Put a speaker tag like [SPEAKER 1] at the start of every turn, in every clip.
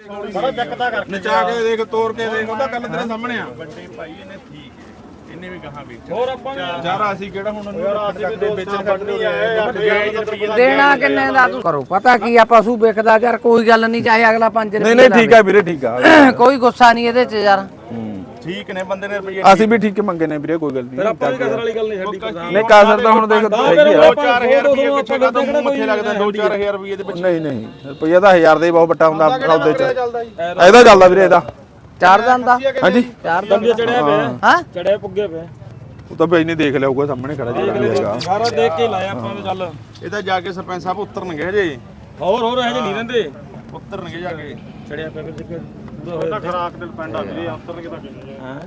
[SPEAKER 1] ਬੜਾ ਚੱਕਦਾ ਕਰਕੇ
[SPEAKER 2] ਨਚਾ ਕੇ ਦੇਖ, ਤੋੜ ਕੇ ਦੇਖ, ਉਹਦਾ ਗੱਲ ਤੇਰੇ ਸਾਹਮਣੇ ਆ।
[SPEAKER 1] ਵੱਡੇ ਭਾਈ ਇਹਨੇ ਠੀਕ ਹੈ, ਇਹਨੇ ਵੀ ਕਹਾ ਵੇਚ
[SPEAKER 2] ਹੋਰ ਆਪਾਂ ਯਾਰ ਅਸੀਂ ਕਿਹੜਾ ਹੁਣ
[SPEAKER 1] ਅਸੀਂ ਵੀ ਵੇਚਣ ਕੱਢਣੀ ਆਏ
[SPEAKER 3] ਦੇਣਾ ਕਿੰਨੇ ਦਾ ਤੂੰ ਕਰੋ ਪਤਾ ਕੀ ਆ ਪਸ਼ੂ ਵਿਕਦਾ ਯਾਰ ਕੋਈ ਗੱਲ ਨਹੀਂ ਚਾਹੇ ਅਗਲਾ 5 ਰੁਪਏ
[SPEAKER 2] ਨਹੀਂ ਠੀਕ ਆ ਵੀਰੇ, ਠੀਕ ਆ।
[SPEAKER 3] ਕੋਈ ਗੁੱਸਾ ਨਹੀਂ ਇਹਦੇ ਚ ਯਾਰ
[SPEAKER 1] ਠੀਕ ਨੇ ਬੰਦੇ ਨੇ ਰੁਪਏ
[SPEAKER 2] ਅਸੀਂ ਵੀ ਠੀਕ ਮੰਗੇ ਨੇ ਵੀਰੇ, ਕੋਈ ਗੱਲ ਨਹੀਂ।
[SPEAKER 4] ਫਿਰ ਆਪਾਂ ਵੀ ਕਸਰ ਵਾਲੀ ਗੱਲ ਨਹੀਂ ਸਾਡੀ
[SPEAKER 2] ਨਹੀਂ ਕਾਸਰ ਤਾਂ ਹੁਣ ਦੇਖ ਹੈਗੀ ਆ।
[SPEAKER 1] 2-4000 ਰੁਪਏ ਪਿੱਛੇ ਕਾ ਤਾਂ ਮੱਥੇ ਲੱਗਦਾ 2-4000 ਰੁਪਏ ਦੇ ਪਿੱਛੇ।
[SPEAKER 2] ਨਹੀਂ ਰੁਪਈਆ ਤਾਂ 1000 ਦੇ ਬਹੁਤ ਵੱਟਾ ਹੁੰਦਾ ਸੌਦੇ ਚ। ਇਹਦਾ ਚੱਲਦਾ ਵੀਰੇ, ਇਹਦਾ
[SPEAKER 3] 4 ਦਿਨ ਦਾ
[SPEAKER 2] ਹਾਂਜੀ
[SPEAKER 3] 4 ਦਿਨ
[SPEAKER 4] ਚੜਿਆ ਪਿਆ
[SPEAKER 3] ਹਾਂ
[SPEAKER 4] ਚੜਿਆ ਪੁੱਗੇ ਪਿਆ
[SPEAKER 2] ਉਹ ਤਾਂ ਬਈ ਨਹੀਂ ਦੇਖ ਲਿਆ ਹੋਊਗਾ, ਸਾਹਮਣੇ ਖੜਾ ਜਿਹੜਾ
[SPEAKER 4] ਸਾਰਾ ਦੇਖ ਕੇ ਲਾਇਆ ਆਪਾਂ ਤੇ ਚੱਲ
[SPEAKER 1] ਇਹ ਤਾਂ ਜਾ ਕੇ ਸਰਪੰਚ ਸਾਹਿਬ ਉਤਰਨਗੇ ਹਜੇ,
[SPEAKER 4] ਹੋਰ ਇਹ ਜੇ ਨਹੀਂ ਰਹਿੰਦੇ
[SPEAKER 1] ਉਤਰਨਗੇ ਜਾ ਕੇ।
[SPEAKER 4] ਚੜਿਆ ਪਿਆ ਫਿਰ ਦੇਖੋ ਪੂਰਾ
[SPEAKER 1] ਉਹਦਾ ਖਰਾਕ ਦੇ ਪਿੰਡ ਆ ਵੀਰੇ, ਉਤਰਨਗੇ ਤਾਂ ਕਿੰਨੇ
[SPEAKER 4] ਹਾਂ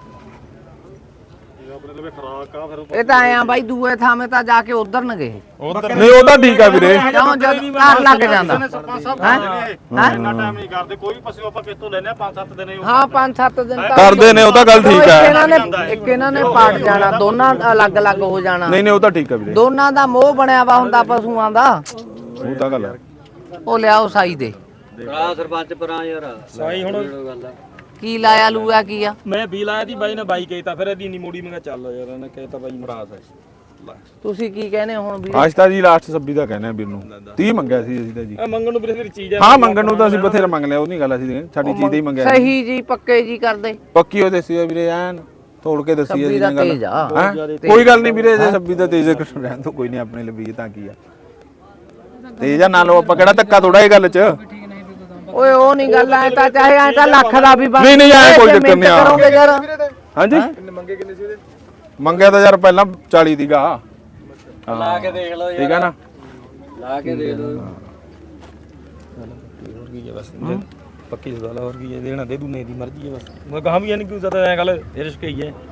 [SPEAKER 1] ਆਪਣੇ ਲਵੇ ਖਰਾਕ ਆ, ਫਿਰ
[SPEAKER 3] ਇਹ ਤਾਂ ਆਇਆ ਬਾਈ ਦੂਏ ਥਾਵੇਂ ਤਾਂ ਜਾ ਕੇ ਉਧਰਨਗੇ
[SPEAKER 1] ਉਧਰ
[SPEAKER 2] ਨਹੀਂ ਉਹ ਤਾਂ ਠੀਕ ਆ ਵੀਰੇ।
[SPEAKER 3] ਕਿਉਂ ਜਦ ਘਰ ਲੱਗ ਜਾਂਦਾ
[SPEAKER 1] ਸਰਪੰਚ ਸਾਹਿਬ ਇੰਨਾ ਟਾਈਮ ਨਹੀਂ ਕਰਦੇ, ਕੋਈ ਵੀ ਪਸ਼ੂ ਆਪਾਂ ਕਿਤੋਂ ਲੈਨੇ ਆ 5-7 ਦਿਨ
[SPEAKER 3] ਹਾਂ 5-7 ਦਿਨ ਤਾਂ
[SPEAKER 2] ਕਰਦੇ ਨੇ, ਉਹ ਤਾਂ ਗੱਲ ਠੀਕ ਆ।
[SPEAKER 3] ਇੱਕ ਇਹਨਾਂ ਨੇ ਪਾਟ ਜਾਣਾ, ਦੋਨਾਂ ਅਲੱਗ-ਅਲੱਗ ਹੋ ਜਾਣਾ।
[SPEAKER 2] ਨਹੀਂ ਉਹ ਤਾਂ ਠੀਕ ਆ ਵੀਰੇ,
[SPEAKER 3] ਦੋਨਾਂ ਦਾ ਮੋਹ ਬਣਿਆ ਵਾ ਹੁੰਦਾ ਪਸ਼ੂਆਂ ਦਾ।
[SPEAKER 2] ਉਹ ਤਾਂ ਗੱਲ ਆ।
[SPEAKER 3] ਉਹ ਲਿਆਓ ਸਾਈ ਦੇ
[SPEAKER 5] ਸਰਪੰਚ ਪਰਾਂ ਯਾਰ
[SPEAKER 4] ਸਾਈ ਹੁਣ
[SPEAKER 3] ਕੀ ਲਾਇਆ ਲੂਆ ਕੀ ਆ।
[SPEAKER 4] ਮੈਂ ਵੀ ਲਾਇਆ ਦੀ ਬਾਈ ਨੇ ਬਾਈ ਕਹਿਤਾ ਫਿਰ ਇਹਦੀ ਇੰਨੀ ਮੋੜੀ ਮੈਂ ਕਿਹਾ ਚੱਲ ਯਾਰ ਇਹਨੇ ਕਹਿਤਾ ਬਾਈ ਮਰਾਸ ਹੈ।
[SPEAKER 3] ਤੁਸੀਂ ਕੀ ਕਹਿੰਦੇ ਹੁਣ ਵੀ
[SPEAKER 2] ਅੱਜ ਤਾਂ ਜੀ ਲਾਸਟ 26 ਦਾ ਕਹਿੰਦੇ ਆ ਵੀਰ ਨੂੰ, 30 ਮੰਗਿਆ ਸੀ ਅਸੀਂ ਤਾਂ ਜੀ।
[SPEAKER 4] ਆ ਮੰਗਣ ਨੂੰ ਵੀਰੇ ਚੀਜ਼ ਹੈ।
[SPEAKER 2] ਹਾਂ ਮੰਗਣ ਨੂੰ ਤਾਂ ਅਸੀਂ ਬਥੇਰਾ ਮੰਗ ਲਿਆ, ਉਹ ਨਹੀਂ ਗੱਲ ਅਸੀਂ ਸਾਡੀ ਚੀਜ਼ ਦਾ ਹੀ ਮੰਗਿਆ।
[SPEAKER 3] ਸਹੀ ਜੀ ਪੱਕੇ ਜੀ ਕਰਦੇ
[SPEAKER 2] ਪੱਕੀ ਉਹ ਦੱਸੀ ਆ ਵੀਰੇ, ਐਨ ਤੋੜ ਕੇ ਦੱਸੀ ਆ ਜੀ
[SPEAKER 3] ਦਾ
[SPEAKER 2] ਗੱਲ।
[SPEAKER 3] ਤੇਜ ਆ
[SPEAKER 2] ਹੈਂ? ਕੋਈ ਗੱਲ ਨਹੀਂ ਵੀਰੇ, ਜੇ 26 ਦਾ ਤੇਜ ਰਹਿਣ ਤੋਂ ਕੋਈ ਨਹੀਂ, ਆਪਣੇ ਲਈ ਤਾਂ ਕੀ ਆ ਤੇਜ ਆ ਨਾ ਲਓ, ਆਪਾਂ ਕਿਹੜਾ ਧੱਕਾ ਥੋੜਾ ਇਹ ਗੱਲ 'ਚ।
[SPEAKER 3] ਓਏ ਉਹ ਨਹੀਂ ਗੱਲ ਐ ਤਾਂ ਚਾਹੇ ਐ ਤਾਂ ਲੱਖ ਦਾ ਵੀ ਬਣ
[SPEAKER 2] ਨਹੀਂ ਐ ਕੋਈ ਚੱਕਰ ਨਹੀਂ ਆ।
[SPEAKER 3] ਕਰੋਗੇ ਯਾਰ
[SPEAKER 2] ਹਾਂਜੀ
[SPEAKER 4] ਮੰਗੇ ਕਿੰਨੇ ਸੀ ਉਹਦੇ
[SPEAKER 2] ਮੰਗਿਆ ਤਾਂ ਯਾਰ ਪਹਿਲਾਂ 40 ਦੀਗਾ।
[SPEAKER 5] ਲਾ ਕੇ ਦੇਖ ਲਓ
[SPEAKER 2] ਠੀਕ ਆ ਨਾ,
[SPEAKER 5] ਲਾ ਕੇ ਦੇਖ ਲਓ
[SPEAKER 4] ਹੋਰ ਕੀ ਹੈ ਬਸ ਪੱਕੀ ਸਵਾਲ ਹੋਰ ਕੀ ਹੈ, ਦੇਣਾ ਦੇ ਦੂ ਨਹੀਂ ਦੀ ਮਰਜ਼ੀ ਹੈ ਬਸ। ਮੈਂ ਕਹਾਂ ਵੀ ਨਹੀਂ ਕਿ ਜ਼ਿਆਦਾ ਐ ਗੱਲ ਰਿਸਕ ਹੀ ਹੈ।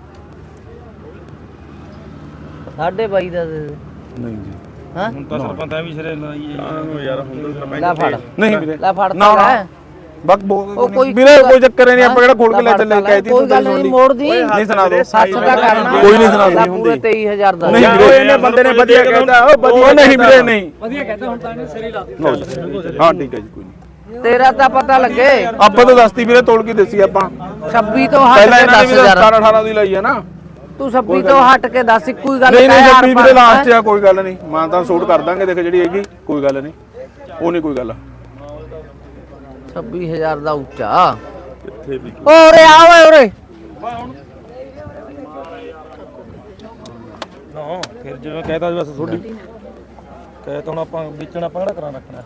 [SPEAKER 3] ਸਾਡੇ ਬਾਈ ਦਾ ਦੇ ਦੇ।
[SPEAKER 2] ਨਹੀਂ ਜੀ
[SPEAKER 3] ਹਾਂ
[SPEAKER 4] ਹੁਣ ਤਾਂ ਸਰਪੰਚ ਐ ਵੀ ਸਿਰੇ ਲਾਈ
[SPEAKER 1] ਯਾਰ ਹੁਣ ਤਾਂ
[SPEAKER 3] ਲੈ ਫੜ
[SPEAKER 2] ਨਹੀਂ ਵੀਰੇ,
[SPEAKER 3] ਲੈ ਫੜ
[SPEAKER 2] ਨਾ
[SPEAKER 3] ਤਾਂ ਲੈ।
[SPEAKER 2] ਬਕ
[SPEAKER 3] ਉਹ ਕੋਈ
[SPEAKER 2] ਵੀਰੇ ਕੋਈ ਚੱਕਰ ਨਹੀਂ, ਆਪਾਂ ਕਿਹੜਾ ਖੋਲ ਕੇ ਲੈ ਚੱਲੇ ਕਹਿਤੀ
[SPEAKER 3] ਕੋਈ ਗੱਲ ਨਹੀਂ ਮੋੜਦੀ
[SPEAKER 2] ਨਹੀਂ ਸੁਣਾ ਦੋ,
[SPEAKER 3] ਸੱਚ ਦਾ ਕਰਨਾ
[SPEAKER 2] ਕੋਈ ਨਹੀਂ ਸੁਣਾ ਦਿੰਦੀ
[SPEAKER 3] ਪੂਰੇ 23000 ਦਾ
[SPEAKER 2] ਨਹੀਂ ਵੀਰੇ, ਇਹਨੇ ਬੰਦੇ ਨੇ ਵਧੀਆ ਕਹਿਤਾ, ਉਹ ਵਧੀਆ ਨਹੀਂ ਵੀਰੇ, ਨਹੀਂ
[SPEAKER 5] ਵਧੀਆ ਕਹਿੰਦਾ ਹੁਣ ਤਾਂ ਇਹਨੇ ਸਿਰੇ ਲਾ ਦਿੱਤੀ।
[SPEAKER 2] ਹਾਂ ਠੀਕ ਹੈ ਜੀ, ਕੋਈ ਨਹੀਂ।
[SPEAKER 3] ਤੇਰਾ ਤਾਂ ਪਤਾ ਲੱਗੇ
[SPEAKER 2] ਆਪਾਂ ਤਾਂ ਦੱਸਤੀ ਵੀਰੇ, ਤੋੜ ਕੇ ਦੱਸੀ ਆਪਾਂ
[SPEAKER 3] 26 ਤੋਂ ਹਟ
[SPEAKER 2] ਪਹਿਲਾਂ
[SPEAKER 3] ਕੇ
[SPEAKER 2] ਇਹਨਾਂ ਨੇ ਵੀ
[SPEAKER 3] 10000
[SPEAKER 2] 17 18 ਦੀ ਲਈ ਹੈ ਨਾ।
[SPEAKER 3] ਤੂੰ 26 ਤੋਂ ਹਟ ਕੇ ਦੱਸ ਇੱਕੋ ਹੀ ਗੱਲ
[SPEAKER 2] ਨਹੀਂ
[SPEAKER 3] ਕਹਿ
[SPEAKER 2] ਜੱਪੀ ਵੀਰੇ
[SPEAKER 3] ਯਾਰ
[SPEAKER 2] ਲਾਸਟ ਆ, ਕੋਈ ਗੱਲ ਨਹੀਂ, ਮਾਂ ਤਾਂ ਸੂਟ ਕਰ ਦਾਂਗੇ ਦੇਖ ਜਿਹੜੀ ਹੈਗੀ, ਕੋਈ ਗੱਲ ਨਹੀਂ, ਉਹ ਨਹੀਂ ਕੋਈ ਗੱਲ।
[SPEAKER 3] 26000 ਦਾ ਉੱਚਾ ਓਰੇ ਆ ਓਏ ਓਰੇ
[SPEAKER 4] ਨਾ ਫਿਰ ਜਿਵੇਂ ਕਹਿਤਾ ਬਸ ਥੋੜੀ ਕਹਿਤਾ ਹੁਣ ਆਪਾਂ ਵੇਚਣਾ ਆਪਾਂ ਕਿਹੜਾ ਕਰਾਂ ਰੱਖਣਾ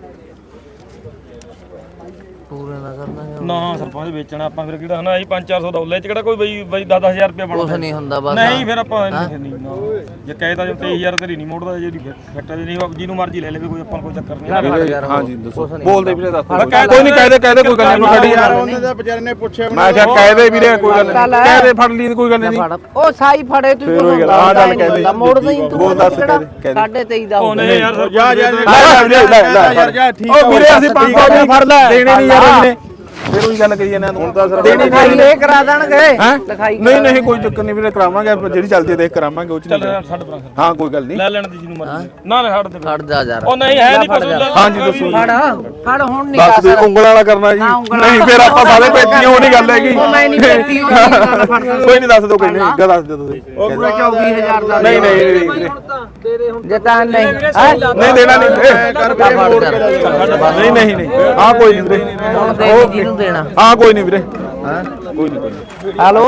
[SPEAKER 3] ਪੂਰੇ ਨਾ ਕਰਨਾ
[SPEAKER 4] ਨਾ ਸਰਪੰਚ ਵੇਚਣਾ ਆਪਾਂ ਫਿਰ ਕਿਹੜਾ ਹਨਾ ਅਸੀਂ 5-400 ਦਾ ਉੱਲੇ ਚ ਕਿਹੜਾ ਕੋਈ ਬਈ 10-10000 ਰੁਪਏ
[SPEAKER 3] ਕੁਛ
[SPEAKER 4] ਬਣਦਾ
[SPEAKER 3] ਨਹੀਂ ਹੁੰਦਾ ਬਸ
[SPEAKER 4] ਨਹੀਂ ਫਿਰ ਆਪਾਂ ਨਹੀਂ ਨਾ ਜੇ ਕਹਿਤਾ ਜੇ 23000 ਤੇਰੀ ਨਹੀਂ ਮੋੜਦਾ ਜਿਹੜੀ ਫੱਟਾ ਨਹੀਂ ਜਿਹਨੂੰ ਮਰਜ਼ੀ ਲੈ ਲਵੇ ਕੋਈ ਆਪਾਂ ਨੂੰ ਕੋਈ ਚੱਕਰ ਨਹੀਂ
[SPEAKER 2] ਵੀਰੇ ਹਾਂ ਜੀ ਦੱਸੋ, ਬੋਲਦੇ ਵੀਰੇ ਦੱਸ ਕੋਈ ਨਹੀਂ, ਕਹਿਦੇ ਕੋਈ ਗੱਲ ਨਹੀਂ ਖੜੀ
[SPEAKER 1] ਯਾਰ ਉਹਨੇ ਤਾਂ ਵਿਚਾਰੇ ਨੇ ਪੁੱਛਿਆ ਵੀ
[SPEAKER 2] ਮੈਂ ਕਿਹਾ ਕਹਿਦੇ ਵੀਰੇ ਕੋਈ ਗੱਲ ਨਹੀਂ, ਕਹਿਦੇ ਫੜ ਲਈ ਕੋਈ ਗੱਲ ਨਹੀਂ।
[SPEAKER 3] ਫੜ ਉਹ ਸਾਈ ਫੜੇ ਤੂੰ
[SPEAKER 2] ਫਿਰ ਉਹੀ ਗੱਲ, ਆਹ ਗੱਲ ਕਹਿ ਦੇ।
[SPEAKER 3] ਮੋੜ ਨਹੀਂ ਤੂੰ
[SPEAKER 2] ਬੋਲ ਦੱਸ ਕਹਿ ਦੇ।
[SPEAKER 3] 23.5 ਦਾ
[SPEAKER 4] ਉਹ ਨਹੀਂ ਯਾਰ
[SPEAKER 1] ਜਾ ਜਾ
[SPEAKER 2] ਯਾਰ
[SPEAKER 1] ਜਾ ਠੀਕ
[SPEAKER 2] ਉਹ ਵੀਰੇ ਅਸੀਂ 500 ਦੀ ਫੜ ਲੈ, ਦੇਣੇ ਨਹੀਂ ਯਾਰ ਇਹਨੇ, ਫਿਰ ਉਹੀ ਗੱਲ ਕਹੀ ਜਾਂਦੇ ਹੁਣ ਤਾਂ ਸਰ ਦੇਣੀ
[SPEAKER 3] ਲਿਖਾਈ ਲੈ ਕਰਾ ਦੇਣਗੇ
[SPEAKER 2] ਹੈਂ?
[SPEAKER 3] ਲਿਖਾਈ
[SPEAKER 2] ਨਹੀਂ ਕੋਈ ਚੱਕਰ ਨਹੀਂ ਵੀਰੇ, ਕਰਾਵਾਂਗੇ ਜਿਹੜੀ ਚੱਲਦੀ ਦੇਖ ਕਰਾਵਾਂਗੇ, ਉਹ ਚ
[SPEAKER 4] ਚੱਲ
[SPEAKER 2] ਨਹੀਂ।
[SPEAKER 4] ਛੱਡ ਪਰਾਂ
[SPEAKER 2] ਹਾਂ ਕੋਈ ਗੱਲ ਨਹੀਂ,
[SPEAKER 4] ਲੈ ਲੈਣ ਦੀ ਜਿਹਨੂੰ ਮਰਜ਼ੀ ਨਾ ਛੱਡ ਦੇ
[SPEAKER 3] ਫੜ ਜਾ ਯਾਰ
[SPEAKER 4] ਉਹ ਨਹੀਂ ਹੈ ਨਹੀਂ ਪਸੰਦ
[SPEAKER 2] ਹਾਂ ਜੀ ਦੱਸੋ
[SPEAKER 3] ਫੜ ਹੁਣ ਨਹੀਂ
[SPEAKER 2] ਬਸ
[SPEAKER 3] ਕਰ
[SPEAKER 2] ਉਂਗਲ ਵਾਲਾ ਕਰਨਾ ਜੀ,
[SPEAKER 3] ਨਾ, ਉਂਗਲ
[SPEAKER 2] ਨਹੀਂ ਫਿਰ ਆਪਾਂ ਸਾਰੇ ਪੇਟੀਆਂ, ਉਹ ਨਹੀਂ ਗੱਲ ਹੈਗੀ।
[SPEAKER 3] ਉਹ ਮੈਂ ਨਹੀਂ ਪੇਟੀ ਉਹ ਨਹੀਂ ਕਰਨਾ ਫੜ
[SPEAKER 2] ਕੋਈ ਨਹੀਂ ਦੱਸ ਦੋ, ਕੋਈ ਨਹੀਂ ਗਾ ਦੱਸ ਦਿਓ ਤੁਸੀਂ।
[SPEAKER 3] ਪੂਰੇ 24000 ਦਾ
[SPEAKER 2] ਨਹੀਂ
[SPEAKER 3] ਜੇ ਤਾਂ ਨਹੀਂ
[SPEAKER 2] ਨਹੀਂ ਦੇਣਾ ਨਹੀਂ
[SPEAKER 1] ਕਰ ਵੀਰੇ ਮੋੜ ਕੇ ਲੈ
[SPEAKER 2] ਨਹੀਂ ਹਾਂ ਕੋਈ ਨਹੀਂ ਵੀਰੇ,
[SPEAKER 3] ਹੁਣ ਦੇ ਜਿਹਨੂੰ ਦੇਣਾ
[SPEAKER 2] ਹਾਂ ਕੋਈ ਨਹੀਂ ਵੀਰੇ,
[SPEAKER 3] ਹਾਂ
[SPEAKER 2] ਕੋਈ ਨਹੀਂ
[SPEAKER 3] ਹੈਲੋ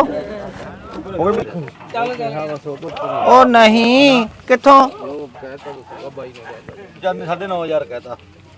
[SPEAKER 3] ਉਹ ਨਹੀਂ ਕਿੱਥੋਂ
[SPEAKER 1] ਜਦ 9500 ਕਹਤਾ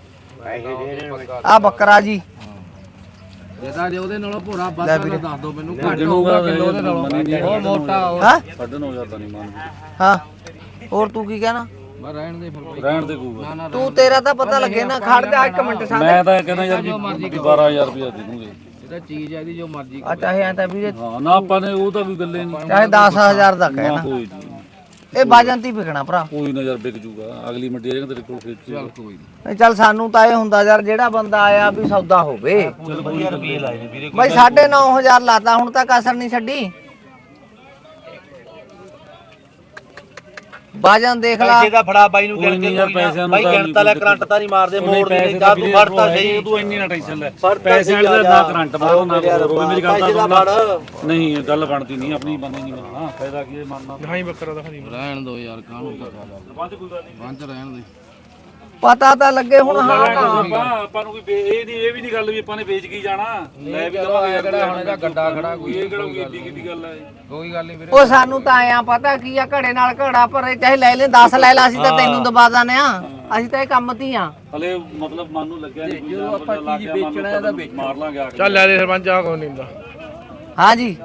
[SPEAKER 3] ਆ ਬੱਕਰਾ ਜੀ
[SPEAKER 5] ਜਿਹਦਾ ਜੇ ਉਹਦੇ ਨਾਲੋਂ ਭੋਰਾ ਵੱਧ ਦੱਸ ਦੋ ਮੈਨੂੰ ਘੱਟ ਹੋਊਗਾ ਕਿਲੋ ਦੇ ਨਾਲੋਂ ਉਹ ਮੋਟਾ
[SPEAKER 3] ਹਾਂ
[SPEAKER 5] 9500 ਤਾਂ ਨਹੀਂ ਮੰਨਦੇ
[SPEAKER 3] ਹਾਂ ਹੋਰ ਤੂੰ ਕੀ ਕਹਿਣਾ
[SPEAKER 5] ਮੈਂ ਰਹਿਣ ਦੇ ਫਿਰ ਰਹਿਣ ਦੇ ਕੂਗਾ
[SPEAKER 3] ਤੂੰ ਤੇਰਾ ਤਾਂ ਪਤਾ ਲੱਗੇ ਨਾ ਖੜ ਜਾ ਇੱਕ ਮਿੰਟ ਸਾਹ
[SPEAKER 5] ਮੈਂ ਤਾਂ ਕਹਿੰਦਾ ਯਾਰ ਵੀ 12000 ਰੁਪਏ ਦੇ ਦੂੰਗੇ ਇਹਦਾ ਚੀਜ਼ ਹੈ ਇਹਦੀ ਜੋ ਮਰਜ਼ੀ
[SPEAKER 3] ਆ ਚਾਹੇ ਐ ਤਾਂ ਵੀਰੇ
[SPEAKER 5] ਹਾਂ ਨਾ ਆਪਾਂ ਨੇ ਉਹ ਤਾਂ ਵੀ ਗੱਲੇ ਨਹੀਂ
[SPEAKER 3] ਚਾਹੇ 10000 ਦਾ ਕਹਿਣਾ
[SPEAKER 5] ਕੋਈ ਨਹੀਂ
[SPEAKER 3] ਇਹ ਬਾਜੰਤੀ ਵਿਕਣਾ ਭਰਾ
[SPEAKER 5] ਕੋਈ ਨਾ ਯਾਰ ਵਿਕ ਜੂਗਾ ਅਗਲੀ ਮੰਡੀ ਆਏਗਾ ਤੇਰੇ ਕੋਲ ਫਿਰ ਚੱਲ ਕੋਈ ਨਹੀਂ
[SPEAKER 3] ਨਹੀਂ ਚੱਲ ਸਾਨੂੰ ਤਾਂ ਇਹ ਹੁੰਦਾ ਯਾਰ ਜਿਹੜਾ ਬੰਦਾ ਆਇਆ ਵੀ ਸੌਦਾ ਹੋਵੇ
[SPEAKER 5] ਚਲ 2000 ਰੁਪਏ ਲਾਏ ਨੇ ਵੀਰੇ
[SPEAKER 3] ਬਾਈ 9500 ਲਾਤਾ ਹੁਣ ਤਾਂ ਕਸਰ ਨਹੀਂ ਛੱਡੀ ਬਾਜਨ ਦੇਖ ਲਾ
[SPEAKER 6] ਪੈਸੇ ਦਾ ਫੜਾ ਬਾਈ ਨੂੰ ਗਿਣ ਕੇ ਪੈਸਿਆਂ ਬਾਈ ਗਿਣਤਾ ਲੈ ਕਰੰਟ ਤਾਂ ਨਹੀਂ ਮਾਰਦੇ ਮੋੜ ਨਹੀਂ ਜਾ ਤੂੰ ਫੜਤਾ ਸਹੀ
[SPEAKER 1] ਤੂੰ ਇੰਨੀ ਨਾ ਟੈਨਸ਼ਨ ਲੈ
[SPEAKER 6] ਪੈਸਿਆਂ
[SPEAKER 1] ਦਾ ਨਾ ਕਰੰਟ ਮਾਰੋ ਨਾ ਕਰੋ ਮੇਰੀ ਗੱਲ
[SPEAKER 6] ਪੈਸੇ ਦਾ ਫੜ
[SPEAKER 1] ਨਹੀਂ ਗੱਲ ਬਣਦੀ ਨਹੀਂ ਆਪਣੀ ਬੰਦੇ ਨਹੀਂ ਬਣਨਾ ਫਾਇਦਾ ਕੀ ਮੰਨਣਾ
[SPEAKER 4] ਹਾਂ ਹੀ ਬੱਕਰਾ ਦਾ ਖਰੀ
[SPEAKER 5] ਰਹਿਣ ਦੋ ਯਾਰ ਕਾਹਨੂੰ ਬੰਦ ਰਹਿਣ ਦੇ
[SPEAKER 3] ਪਤਾ ਤਾਂ ਲੱਗੇ ਹੁਣ ਹਾਂ
[SPEAKER 1] ਆਪਾਂ ਨੂੰ ਕੋਈ ਇਹ ਵੀ ਨਹੀਂ ਗੱਲ ਵੀ ਆਪਾਂ ਨੇ ਵੇਚ ਕੇ ਜਾਣਾ ਲੈ ਵੀ
[SPEAKER 5] ਦਵਾਂਗੇ ਕਿਹੜਾ ਹੁਣ ਇਹਦਾ ਗੱਡਾ ਖੜਾ ਕੋਈ
[SPEAKER 1] ਇਹ ਕਿਹੜਾ ਕੋਈ ਏਡੀ ਕਿੱਡੀ ਗੱਲ ਹੈ
[SPEAKER 5] ਕੋਈ ਗੱਲ ਨਹੀਂ ਵੀਰੇ
[SPEAKER 3] ਉਹ ਸਾਨੂੰ ਤਾਂ ਆਇਆ ਪਤਾ ਕੀ ਆ ਘੜੇ ਨਾਲ ਘੜਾ ਭਰੇ ਚਾਹੇ ਲੈ ਲੈ 10 ਲੈ ਲਾ ਅਸੀਂ ਤਾਂ ਤੈਨੂੰ ਦਬਾ ਦਾਨੇ ਆ ਅਸੀਂ ਤਾਂ ਇਹ ਕੰਮ ਤੀ ਆ
[SPEAKER 1] ਹਲੇ ਮਤਲਬ ਮਨ ਨੂੰ ਲੱਗਿਆ ਨਹੀਂ ਜਦੋਂ ਆਪਾਂ ਚੀਜ਼ ਵੇਚਣਾ ਇਹਦਾ ਮਾਰ ਲਾਂਗੇ ਆ ਕੇ
[SPEAKER 4] ਚੱਲ ਲੈ ਦੇ ਸਰਪੰਚ ਆ ਕੋਈ ਨਹੀਂ ਹੁੰਦਾ
[SPEAKER 3] ਹਾਂ ਜੀ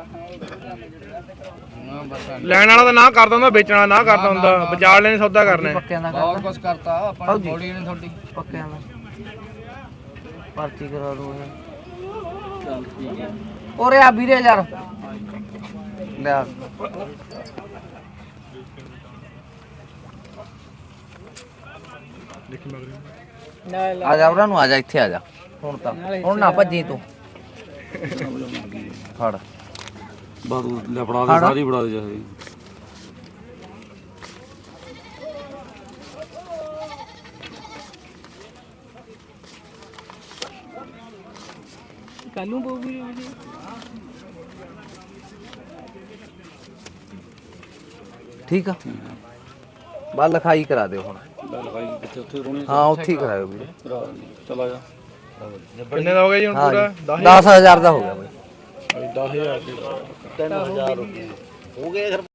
[SPEAKER 4] ਲੈਣ ਵਾਲਾ ਤਾਂ ਨਾ ਕਰਦਾ ਹੁੰਦਾ ਵੇਚਣ ਵਾਲਾ ਨਾ ਕਰਦਾ ਹੁੰਦਾ ਵਿਚਾਰ ਲੈਣੇ ਸੌਦਾ ਕਰਨਾ
[SPEAKER 3] ਪੱਕਿਆਂ ਦਾ
[SPEAKER 5] ਬਹੁਤ ਕੁਝ ਕਰਤਾ ਆਪਾਂ ਨੇ ਥੋੜੀ ਨੇ ਤੁਹਾਡੀ
[SPEAKER 3] ਪੱਕਿਆਂ ਦਾ ਪਰਚੀ ਕਰਾ ਦੋ ਚੱਲ ਠੀਕ ਹੈ ਉਰੇ ਆ ਵੀਰੇ ਯਾਰ ਲੈ ਆ। ਆ ਜਾ ਉਹਨਾਂ ਨੂੰ ਆ ਜਾ ਇੱਥੇ ਆ ਜਾ ਹੁਣ ਤਾਂ ਹੁਣ ਨਾ ਭੱਜੀ ਤੂੰ ਫੜ
[SPEAKER 1] ਬਾਤ ਲੈ ਫੜਾ ਦੇ ਸਾਰੀ ਫੜਾ ਦੇ ਜਾਏ
[SPEAKER 7] ਕੱਲੂ ਪਊਗੀ
[SPEAKER 3] ਠੀਕ ਆ ਬਾ ਲਿਖਾਈ ਕਰਾ ਦਿਓ ਹੁਣ
[SPEAKER 1] ਲਗਾਈ ਕਿੱਥੇ ਉੱਥੇ ਰੋਣੀ
[SPEAKER 3] ਹਾਂ ਉੱਥੇ ਹੀ ਕਰਾਇਓ ਵੀਰੇ
[SPEAKER 1] ਚਲਾ ਜਾ
[SPEAKER 4] ਕਿੰਨੇ ਦਾ ਹੋ ਗਿਆ ਜੀ ਹੁਣ
[SPEAKER 3] ਹਾਂ
[SPEAKER 4] ਪੂਰਾ
[SPEAKER 3] ਜੀ 10000 ਦਾ ਹੋ ਗਿਆ ਬਈ
[SPEAKER 4] 10000
[SPEAKER 6] 3000 ਹੋ ਗਏ